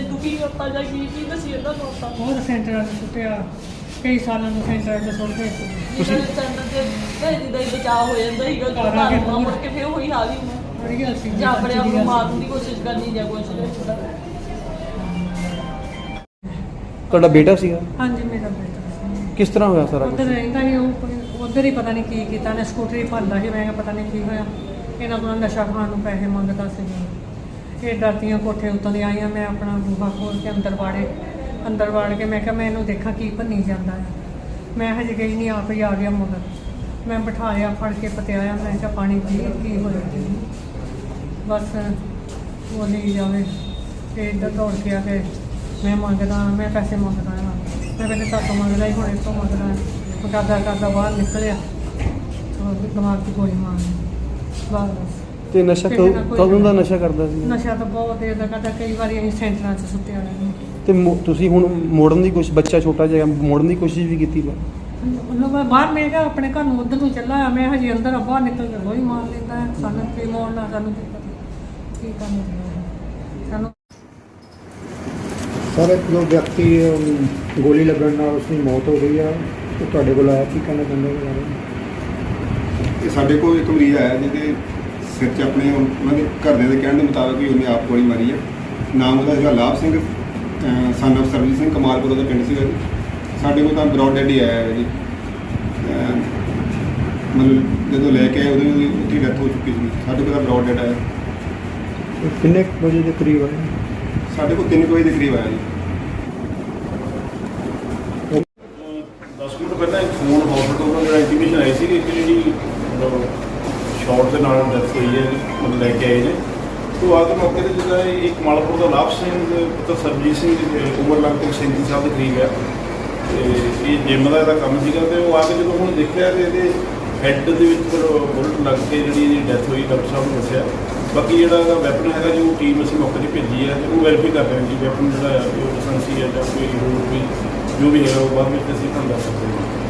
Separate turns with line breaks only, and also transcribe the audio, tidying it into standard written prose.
ਦੁਖੀ ਹੁੰਦਾ ਜਾਂ ਕੀ ਦੱਸੀ ਇਹਨਾਂ ਨੂੰ ਆਪਾਂ
ਬਹੁਤ ਸੈਂਟਰਾਂ 'ਚ ਸੁੱਟਿਆ, ਕਈ ਸਾਲਾਂ ਤੋਂ ਸੈਂਟਰਾਂ 'ਚ ਸੁੱਟਦੇ ਸੀ।
ਤੁਸੀਂ ਸੈਂਟਰ ਤੇ ਭੇਜੀ ਦਾ ਹੀ ਬਚਾਅ ਹੋ ਜਾਂਦਾ ਸੀਗਾ
ਘਰ ਆ ਕੇ
ਜਦੋਂ ਮੁੜ ਕੇ ਫਿਰ ਉਹੀ ਹਾਲ ਹੀ ਹੋਣਾ
ਬੜੀ ਗੱਲ ਸੀ
ਜਾਂ ਆਪਣੇ ਆਪ ਨੂੰ ਮਾਰਨ ਦੀ ਕੋਸ਼ਿਸ਼ ਕਰਨੀ ਜਾਂ ਕੁਛ
ਤੁਹਾਡਾ ਬੇਟਾ ਸੀਗਾ?
ਹਾਂਜੀ, ਮੇਰਾ ਬੇਟਾ ਸੀ।
ਕਿਸ ਤਰ੍ਹਾਂ ਹੋਇਆ ਸਾਰਾ
ਉੱਧਰ ਰਹਿੰਦਾ ਸੀ ਉਹ, ਉੱਧਰ ਹੀ ਪਤਾ ਨਹੀਂ ਕੀ ਕੀਤਾ ਨੇ, ਸਕੂਟਰੀ ਭੰਦਾ ਸੀ। ਮੈਂ ਕਿਹਾ ਪਤਾ ਨਹੀਂ ਕੀ ਹੋਇਆ, ਇਹਨਾਂ ਕੋਲ ਨਸ਼ਾ ਖਾਣ ਨੂੰ ਪੈਸੇ ਮੰਗਦਾ ਸੀ। ਇਹ ਡਰਦੀਆਂ ਕੋਠੇ ਉੱਤੋਂ ਦੀ ਆਈਆਂ, ਮੈਂ ਆਪਣਾ ਬੂਹਾ ਖੋਲ੍ਹ ਕੇ ਅੰਦਰ ਵਾੜ ਕੇ ਮੈਂ ਕਿਹਾ ਮੈਂ ਇਹਨੂੰ ਦੇਖਾਂ ਕੀ ਭੰਨੀ ਜਾਂਦਾ ਹੈ। ਮੈਂ ਹਜੇ ਗਈ ਨਹੀਂ, ਆਪ ਹੀ ਆ ਗਿਆ ਮਗਰ। ਮੈਂ ਬਿਠਾਇਆ, ਫੜ ਕੇ ਪਤਿਆਇਆ, ਮੈਂ ਕਿਹਾ ਪਾਣੀ ਪੀ, ਕੀ ਹੋਇਆ ਜੀ? ਬਸ ਬੋਲੀ ਜਾਵੇ ਤੇ ਇੱਧਰ ਦੌੜ ਕੇ ਆ ਕੇ ਮੈਂ ਮੰਗਦਾ, ਮੈਂ ਪੈਸੇ ਮੰਗਦਾ ਹਾਂ। ਮੈਂ ਪਹਿਲੇ ਤਾਂ ਮੰਗਦਾ ਹੀ, ਹੁਣ ਇਸ ਤੋਂ ਮੰਗਦਾ। ਕਰਦਾ ਬਾਹਰ ਨਿਕਲਿਆ, ਦਿਮਾਗ 'ਚ ਗੋਲੀ ਮਾਰਨੀ ਬਸ।
ਤੇ ਨਸ਼ਾ ਕਦੋਂ ਦਾ ਨਸ਼ਾ ਕਰਦਾ ਸੀ?
ਨਸ਼ਾ ਤਾਂ ਬਹੁਤ ਦੇਰ ਦਾ ਕਰਦਾ, ਕਈ ਵਾਰੀ ਅਸੀਂ ਸੈਂਟਰਾਂ 'ਚ ਸੁੱਤਿਆ ਰਹਿੰਦੇ।
ਤੇ ਤੁਸੀਂ ਹੁਣ ਮੋੜਨ ਦੀ ਕੋਸ਼ਿਸ਼, ਬੱਚਾ ਛੋਟਾ ਜਿਹਾ ਮੋੜਨ ਦੀ ਕੋਸ਼ਿਸ਼ ਵੀ ਕੀਤੀ?
ਮਤਲਬ ਮੈਂ ਬਾਹਰ, ਮੈਂ ਕਿਹਾ ਆਪਣੇ ਘਰ ਨੂੰ ਉੱਧਰ ਨੂੰ ਚੱਲਾ ਆ, ਮੈਂ ਹਜੇ ਅੰਦਰ ਬਾਹਰ ਨਿਕਲ ਕੇ ਗੋਲੀ ਮਾਰ ਲੈਂਦਾ ਹੈ। ਸਾਨੂੰ ਕੀ ਮੋੜਨਾ, ਸਾਨੂੰ ਕੀ ਕਰਨਾ ਸਾਨੂੰ।
ਸਰ, ਇੱਕ ਜੋ ਵਿਅਕਤੀ ਗੋਲੀ ਲੱਗਣ ਨਾਲ ਉਸਦੀ ਮੌਤ ਹੋ ਗਈ ਆ, ਉਹ ਤੁਹਾਡੇ ਕੋਲ ਆਇਆ, ਕੀ ਕਹਿਣਾ ਚਾਹੁੰਦੇ ਹੋ ਬਾਰੇ?
ਇਹ ਸਾਡੇ ਕੋਲ ਇੱਕ ਮਰੀਜ਼ ਆਇਆ ਜਿਹਦੇ ਸਿਰ 'ਚ ਆਪਣੇ ਉਹਨਾਂ ਦੇ ਘਰਦਿਆਂ ਦੇ ਕਹਿਣ ਦੇ ਮੁਤਾਬਕ ਵੀ ਉਹਨੇ ਆਪ ਗੋਲੀ ਮਾਰੀ ਆ। ਨਾਮ ਉਹਦਾ ਹੈਗਾ ਲਾਭ ਸਿੰਘ, ਸਨ ਆਫ ਸਰਬਜੀਤ ਸਿੰਘ, ਕਮਾਲਪੁਰ ਦਾ ਪਿੰਡ ਸੀਗਾ ਜੀ। ਸਾਡੇ ਕੋਲ ਤਾਂ ਬਰੌਡ ਡੈਡ ਹੀ ਆਇਆ ਹੈ ਜੀ। ਮਤਲਬ ਜਦੋਂ ਲੈ ਕੇ ਆਏ ਉਦੋਂ ਉੱਥੇ ਡੈਥ ਹੋ ਚੁੱਕੀ ਸੀ। ਸਾਡੇ ਕੋਲ ਤਾਂ ਬਰੌਡ ਡੈਡ ਆਇਆ।
ਕਿੰਨੇ ਵਜੇ ਦੇ ਕਰੀਬ ਆਏ?
ਸਾਡੇ ਕੋਲ 3 ਵਜੇ ਦੇ ਕਰੀਬ ਆਇਆ ਜੀ।
10 ਮਿੰਟ ਪਹਿਲਾਂ ਇੱਕ ਫੋਨ ਹਸਪੀਟਲ ਤੋਂ ਜਿਹੜਾ ਇੰਟੀਮੇਸ਼ਨ ਆਈ ਸੀ ਕਿ ਜਿਹੜੀ ਸ਼ਾਰਟ ਦੇ ਨਾਲ ਡੈਥ ਹੋਈ ਹੈ, ਮਤਲਬ ਲੈ ਕੇ ਆਏ ਨੇ। ਤੋਂ ਆ ਕੇ ਮੌਕੇ 'ਤੇ ਜਿਹੜਾ ਇੱਕ ਮਾਲਪੁਰ ਦਾ ਲਾਭ ਸਿੰਘ ਪੁੱਤਰ ਸਰਬਜੀਤ ਸਿੰਘ ਉਮਰ ਲਗਭਗ 37 ਸਾਲ ਦੇ ਕਰੀਬ ਹੈ। ਤੇ ਇਹ ਜਿੰਮ ਦਾ ਇਹਦਾ ਕੰਮ ਸੀਗਾ। ਤੇ ਉਹ ਆ ਕੇ ਜਦੋਂ ਹੁਣ ਦੇਖਿਆ ਤੇ ਇਹਦੇ ਹੈੱਡ ਦੇ ਵਿੱਚ ਫਿਰ ਬੁਲਟ ਲੱਗ ਕੇ ਜਿਹੜੀ ਇਹਦੀ ਡੈਥ ਹੋਈ, ਡਾਕਟਰ ਸਾਹਿਬ ਨੇ ਦੱਸਿਆ। ਬਾਕੀ ਜਿਹੜਾ ਇਹਦਾ ਵੈਪਨ ਹੈਗਾ ਜੀ, ਉਹ ਟੀਮ ਅਸੀਂ ਮੌਕੇ 'ਤੇ ਭੇਜੀ ਹੈ ਤੇ ਉਹ ਵੈਰੀਫਾਈ ਕਰ ਰਹੇ ਹਾਂ ਜੀ ਵੈਪਨ ਜਿਹੜਾ ਹੈ ਉਹ ਲਾਇਸੈਂਸੀ ਹੈ ਜਾਂ ਕੋਈ ਹੋਰ ਵੀ ਜੋ ਵੀ ਹੈਗਾ ਉਹ ਬਾਅਦ ਵਿੱਚ ਅਸੀਂ ਤੁਹਾਨੂੰ ਦੱਸ ਸਕਦੇ ਹਾਂ।